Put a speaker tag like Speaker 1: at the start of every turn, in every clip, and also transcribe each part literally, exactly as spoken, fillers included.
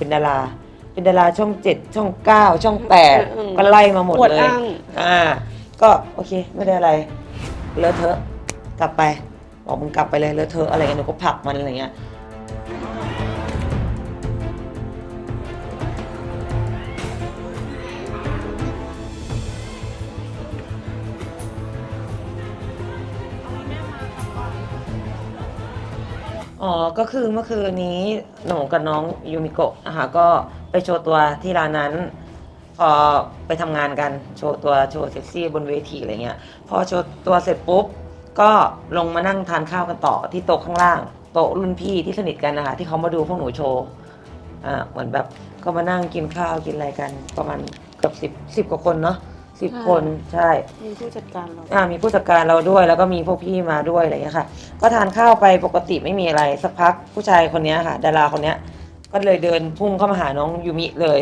Speaker 1: เป็นดาราเป็นดาราช่องเจ็ดช่องเก้าช่องแปดก็ไล่มาหมดเลยอ่าก็โอเคไม่ได้อะไรเลอะเทอะกลับไปบอกมึงกลับไปเลยเลอะเทอะอะไรเงี้ยหนูก็ผลักมันอะไรเงี้ยอ๋อก็คือเมื่อคืนนี้หนูกับน้องยูมิโกะนะคะก็ไปโชว์ตัวที่ร้านนั้นพอไปทำงานกันโชว์ตัวโชว์เซ็กซี่บนเวทีอะไรเงี้ยพอโชว์ตัวเสร็จปุ๊บก็ลงมานั่งทานข้าวกันต่อที่โต๊ะข้างล่างโต๊ะรุ่นพี่ที่สนิทกันนะคะที่เขามาดูพวกหนูโชว์อ่าเหมือนแบบก็มานั่งกินข้าวกินอะไรกันประมาณเกือบสิบสิบกว่าคนเนาะสิบคนใช่
Speaker 2: มีผู้จัดการเรา
Speaker 1: อ่ามีผู้จัดการเราด้วยแล้วก็มีพวกพี่มาด้วยอะไรอย่างเงี้ยค่ะก็ทานข้าวไปปกติไม่มีอะไรสักพักผู้ชายคนนี้ค่ะดาราคนนี้ก็เลยเดินพุ่งเข้ามาหาน้องยูมิเลย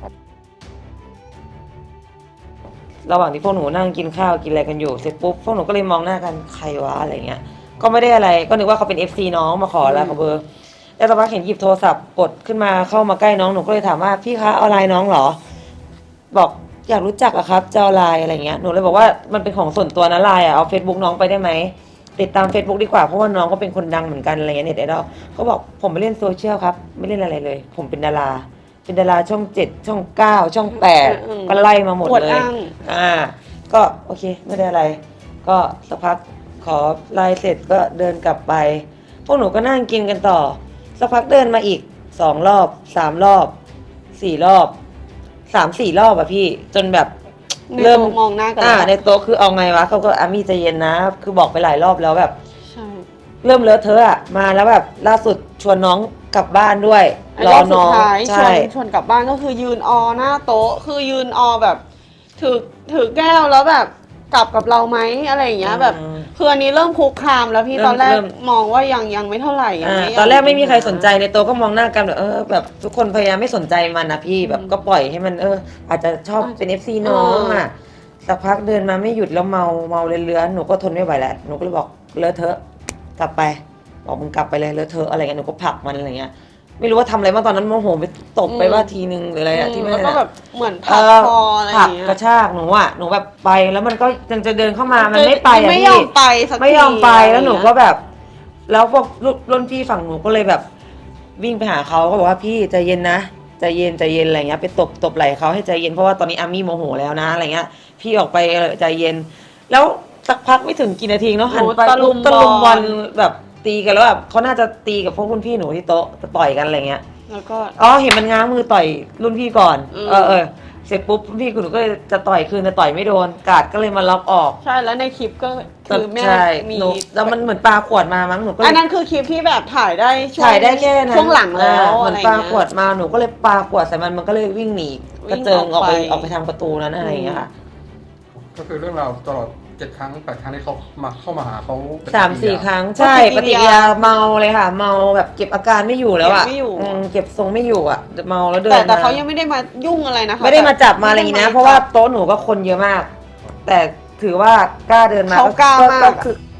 Speaker 1: ระหว่างที่พวกหนูนั่งกินข้าวกินอะไรกันอยู่เสร็จปุ๊บพวกหนูก็เลยมองหน้ากันใครวะอะไรเงี้ยก็ไม่ได้อะไรก็นึกว่าเขาเป็น เอฟ ซี น้องมาขอแล้วขอเบอร์แล้วสักพักเห็นหยิบโทรศัพท์กดขึ้นมาเข้ามาใกล้น้องหนูก็เลยถามว่าพี่คะเอาไลน์น้องเหรอบอกอยากรู้จักอะครับจะเอาไลน์อะไรเงี้ยหนูเลยบอกว่ามันเป็นของส่วนตัวนะไลน์อะเอา Facebook น้องไปได้ไหมติดตาม Facebook ดีกว่าเพราะว่าน้องก็เป็นคนดังเหมือนกันอะไรเงี้ยเน็ตไอดอลเขาบอกผมไม่เล่นโซเชียลครับไม่เล่นอะไรเลยผมเป็นดาราเป็นดาราช่องเจ็ดช่องเก้าช่องแปดก็ไล่มาหมดเลยอ่าก็โอเคไม่ได้อะไรก็สักพักขอไลน์เสร็จก็เดินกลับไปพวกหนูก็นั่งกินกันต่อสักพักเดินมาอีกสองรอบสามรอบสี่รอบสามสี่รอบอะพี่จนแบบ
Speaker 2: เริ่มมองหน้ากัน
Speaker 1: อ่าในโต๊ะคือเอาไงวะเขาก็อามี่ใจเย็นนะคือบอกไปหลายรอบแล้วแบบ
Speaker 2: ใช่
Speaker 1: เริ่มเลอะเทอะอะมาแล้วแบบล่าสุดชวนน้องกลับบ้านด้วย
Speaker 2: รอน้องใช่ชวนกลับบ้านก็คือยืนออหน้าโต๊ะคือยืนออแบบถือถือแก้วแล้วแบบกลับกับเราไหมอะไรอย่างเงี้ยแบบคืออันนี้เริ่มคุกคามแล้วพี่ตอนแรกมองว่ายังยังไม่เท่าไหร่
Speaker 1: ตอนแรกไม่มีใครสนใจในโต๊ะก็มองหน้ากันแบบเออแบบทุกคนพยายามไม่สนใจมันนะพี่แบบก็ปล่อยให้มันเอออาจจะชอบเป็น เอฟ ซี น้องอ่ะสักพักเดินมาไม่หยุดแล้วเมาเมาเลื้อนๆหนูก็ทนไม่ไหวแล้วหนูก็เลยบอกเลอะเทอะกลับไปบอกมึงกลับไปเลยเลอะเทอะอะไรเงี้ยหนูก็ผลักมันอะไรเงี้ยไม่รู้ว่าทำอะไรบ้างตอนนั้นโมโหไปตบไปว่าทีนึงหรืออะไรอะที่ไม่
Speaker 2: แล้วก็แบบเหมือนผลักคออะไร
Speaker 1: อย่างเงี้ยกระชากหนูอะหนูแบบไปแล้วมันก็ยังจะเดินเข้ามามันไม่ไปอะพี่
Speaker 2: ไม่ยอมไปสักที
Speaker 1: ไม่ยอมไปแล้วหนูก็แบบแล้วพวกรุ่นพี่ฝั่งหนูก็เลยแบบวิ่งไปหาเขาก็บอกว่าพี่ใจเย็นนะใจเย็นใจเย็นอะไรเงี้ยไปตบตบไหล่เขาให้ใจเย็นเพราะว่าตอนนี้อามี่โมโหแล้วนะอะไรเงี้ยพี่ออกไปใจเย็นแล้วสักพักไม่ถึงกี่นาทีเนาะหันไป
Speaker 2: ตะลุม
Speaker 1: ตะลุมบอลแบบตีกันแล้วแบบเขาน่าจะตีกับพวกรุ่นพี่หนูที่โต๊ะจะต่อยกันอะไรเงี้ย
Speaker 2: แล้วก็
Speaker 1: อ๋อเห็นมันง้างมือต่อยรุ่นพี่ก่อนเออเออเสร็จปุ๊บรุ่นพี่หนูก็จะต่อยคืนแต่ต่อยไม่โดนกาดก็เลยมาล็อกออก
Speaker 2: ใช่แล้วในคลิปก็คือแม่มี
Speaker 1: แล้วมันเหมือนปลาขวดมามั้งหนูก็
Speaker 2: อันนั้นคือคลิปที่แบบถ่ายได้
Speaker 1: ถ่ายได้แค่
Speaker 2: ช่วงหลังแล้ว
Speaker 1: เหมือนปลาขวดมาหนูก็เลยปลาขวดใส่มันมันก็เลยวิ่งหนีกระเจิงออกไปออกไปทางประตูนั้นอะไรอย่างเงี้ยค่ะ
Speaker 3: ก็คือเรื่องราวตลอดเจ็ดครั้งแปดครั้งที่เขามาเข้ามาหาเขา
Speaker 1: สามสี่ครั้งใช่ปฏิกิริยาเมาเลยค่ะเมาแบบเก็บอาการไม่อยู่แล้วอ่ะเก็บทรงไม่อยู่อ่ะเมาแล้วเดิน
Speaker 2: แต่แต่เขายังไม่ได้มายุ่งอะไรนะคะ
Speaker 1: ไม่ได้มาจับมาอะไรอย่างนี้นะเพราะว่าโต๊ะหนูก็คนเยอะมากแต่ถือว่ากล้าเดินมา
Speaker 2: เขากล้ามาก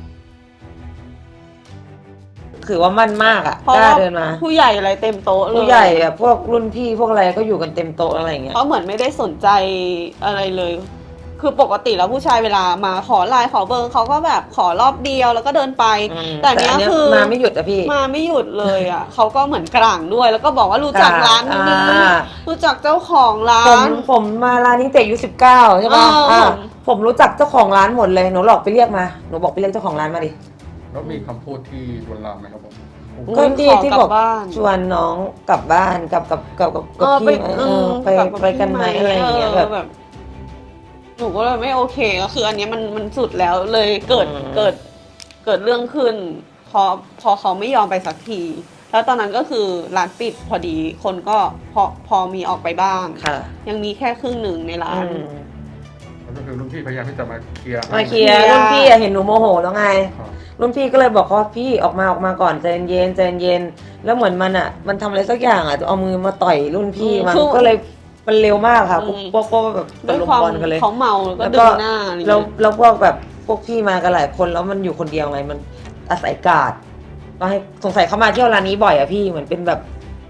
Speaker 1: ถือว่ามั่นมากอ่ะกล้าเดินมา
Speaker 2: ผู้ใหญ่อะไรเต็มโต๊ะเลย
Speaker 1: ผู้ใหญ่แบบพวกรุ่นพี่พวกอะไรก็อยู่กันเต็มโต๊ะอะไรอย่างเงี้ย
Speaker 2: เขาเหมือนไม่ได้สนใจอะไรเลยคือปกติแล้วผู้ชายเวลามาขอไลน์ขอเบอร์เขาก็แบบขอรอบเดียวแล้วก็เดินไปแต่เนี้ยคือ
Speaker 1: มาไม่หยุดอะพี่
Speaker 2: มาไม่หยุดเลยอะเขาก็เหมือนกลางด้วยแล้วก็บอกว่ารู้จักร้านนี้รู้จักเจ้าของร้าน
Speaker 1: ผมผมมาร้านนี้แต่อายุสิบเก้าใช่ป่ะผมรู้จักเจ้าของร้านหมดเลยหนูหลอกไปเรียกมาหนูบอกไปเรียกเจ้าของร้านมาดิ
Speaker 3: แล้วมีคำพูดที่ลวนลามไหมครับผม
Speaker 1: ก็ที่ที่บอกชวนน้องกลับบ้านกับกับกับกับพี่ไปไปกันไหมอะไรอย่างเงี้ยแบบ
Speaker 2: หนูก็เลยไม่โอเคก็คืออันนี้มันมันสุดแล้วเลยเกิดเกิดเกิดเรื่องขึ้นพอพอเขาไม่ยอมไปสักทีแล้วตอนนั้นก็คือร้านปิดพอดีคนก็พอพอมีออกไปบ้างยังมีแค่ครึ่งหนึ่งในร้าน
Speaker 3: ก็คือรุ่นพี่พยายามที่จะมาเคลียร์
Speaker 1: มาเคลียร์รุ่นพี่เห็นหนูโมโหแล้วไงรุ่นพี่ก็เลยบอกว่าพี่ออกมาออกมาก่อนใจเย็นใจเย็นแล้วเหมือนมันอ่ะมันทำอะไรสักอย่างอ่ะเอามือมาต่อยรุ่นพี่มันก็เลยมันเร็วมากค่ะพวกพวกแบบตะลุมบอลกันเลย
Speaker 2: เขาเมาแล้วก็เดินหน้า
Speaker 1: แล้วแล้วพวกแบบพวกพี่มากันหลายคนแล้วมันอยู่คนเดียวไงมันอาศัยกาดก็ให้สงสัยเขามาเที่ยวร้านนี้บ่อยอะพี่เหมือนเป็นแบบ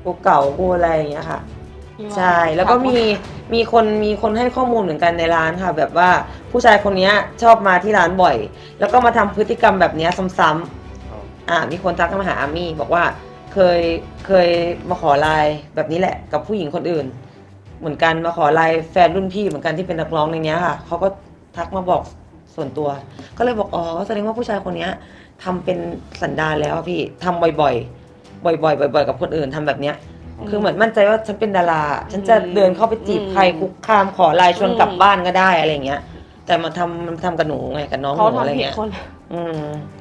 Speaker 1: กูเก่ากูอะไรอย่างเงี้ยค่ะ
Speaker 2: ที่า
Speaker 1: ใช่ แล้วก็มีมีคนมีคนให้ข้อมูลเหมือนกันในร้านค่ะ แบบว่าผู้ชายคนเนี้ยชอบมาที่ร้านบ่อย แล้วก็มาทำพฤติกรรมแบบเนี้ยซ้ำๆอ่ามีคนทักมาหาอามี่บอกว่าเคยเคยมาขอไลน์แบบนี้แหละกับผู้หญิงคนอื่น เหมือนกันมาขอไลน์แฟนรุ่นพี่เหมือนกันที่เป็นนักร้องในเนี้ยค่ะเขาก็ทักมาบอกส่วนตัว ก็เลยบอกอ๋อแสดงว่าผู้ชายคนเนี้ยทำเป็นสันดานแล้วอะพี่ทำบ่อยๆ บ่อยๆ บ่อยๆ กับคนอื่นทำแบบเนี้ย คือเหมือนมั่นใจว่าฉันเป็นดารา ฉันจะเดินเข้าไปจีบใครคุกคามขอไลน์ชวนกลับบ้านก็ได้อะไรเงี้ย แต่มาทำมันทำกับหนูไงกับน้องห
Speaker 2: เขา
Speaker 1: นูอะไร
Speaker 2: ทำผิด
Speaker 1: เงี้ย
Speaker 2: คน
Speaker 1: อืม